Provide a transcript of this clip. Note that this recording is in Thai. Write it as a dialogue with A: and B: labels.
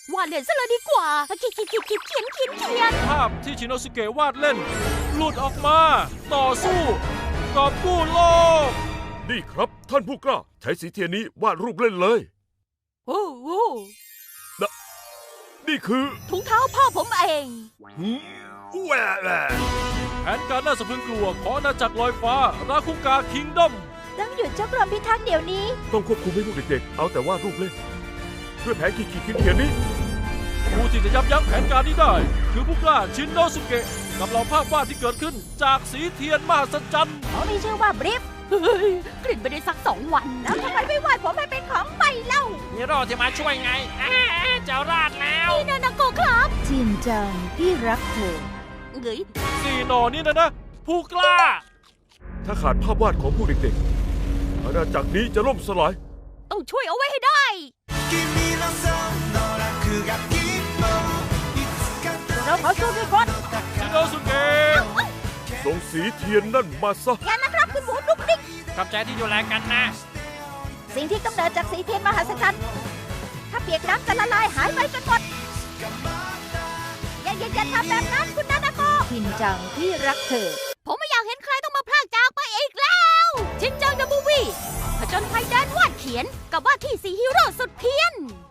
A: วาดเล่นซะเลยดีกว่าเขียน
B: ภาพที่ชินโนสุเกะวาดเล่น หลุดออกมา ต่อสู้กอบกู้โลก
C: นี่ครับท่านผู้กล้าใช้สีเทียนนี้วาดรูปเล่นเลย
A: โอ้โห
C: นี่คือ
A: ถุงเท้าพ่อผมเอง
C: แหวะ
B: แผนการน่าสะพรึงกลัวของอาณาจักรลอยฟ้า ราคุกาคิงดอม
A: ต้องหยุดเจ้ากรมพิทักษ์เดี๋ยวนี้
C: ต้องควบคุมให้พวกเด็กๆเอาแต่วาดรูปเล่นด้วยแผนขีดเทียนนี้
B: ผู้ที่จะยับยั้งแผนการนี้ได้ คือผู้กล้าชินโนสุเกะกับเหล่าภาพวาดที่เกิดขึ้นจากสีเทียนมหัศจรรย์
A: เขามีชื่อว่าบริฟเฮ้ยกลิ่นไปได้สัก2 วัน แล้วทำไมไม่วาดผมให้เป็นของใหม่เล่า
D: ฮีโร่ที่มาช่วยไงเจ้าราดแล้ว
A: นี่นานาโกครับ
E: จินจังพี่รักเธอ
A: เฮ้ย
B: สี่หนอนี่นะ ผู้กล้า
C: ถ้าขาดภาพวาดของพวกเด็กๆอาณาจักรนี้จะล่มสลาย
A: ต้องช่วยเอาไว้ให้ได้ เราขอสู้ด้วยคน
B: ชินโนสุเกะ
C: ส่งสีเทียนนั่นมาซะ
A: อย่านะครับคุณหมูดุกดิก
D: ขอบใจที่ดูแลกันนะ
A: สิ่งที่กำเนิดจากสีเทียนมหัศจรรย์ถ้าเปียกน้ำจะละลายหายไปจนหมด อย่าทำแบบนั้นคุณนานาโก
E: จินจังพี่รักเธอ
A: ผมไม่อยากเห็นใครต้องมาพรากจากไปอีกแล้ว ชินจังเดอะมูฟวี่ผจญภัยเดินวาดเขียนกับว่าที่สีฮีโร่สุดเพี้ยน